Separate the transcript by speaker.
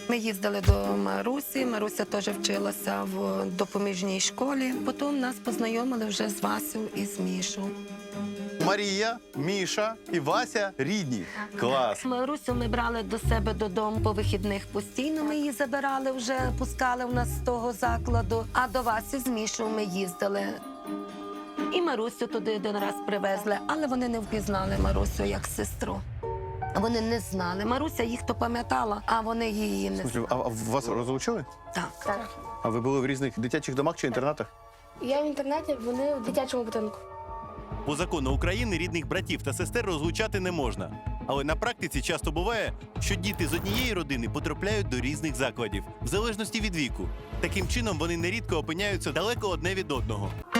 Speaker 1: Ми їздили до Марусі, Маруся теж вчилася в допоміжній школі. Потім нас познайомили вже з Васю і з Мішу.
Speaker 2: Марія, Міша і Вася рідні. Клас.
Speaker 1: Марусю ми брали до себе додому по вихідних постійно. Ми її забирали, вже пускали в нас з того закладу. А до Васі з Мішою ми їздили. І Марусю туди один раз привезли, але вони не впізнали Марусю як сестру. Вони не знали. Маруся їх то пам'ятала, а вони її не знали.
Speaker 2: А вас розлучили?
Speaker 1: Так.
Speaker 3: Так.
Speaker 2: А ви були в різних дитячих домах чи інтернатах?
Speaker 3: Я в інтернаті, вони в дитячому будинку.
Speaker 4: По закону України рідних братів та сестер розлучати не можна. Але на практиці часто буває, що діти з однієї родини потрапляють до різних закладів, в залежності від віку. Таким чином вони нерідко опиняються далеко одне від одного.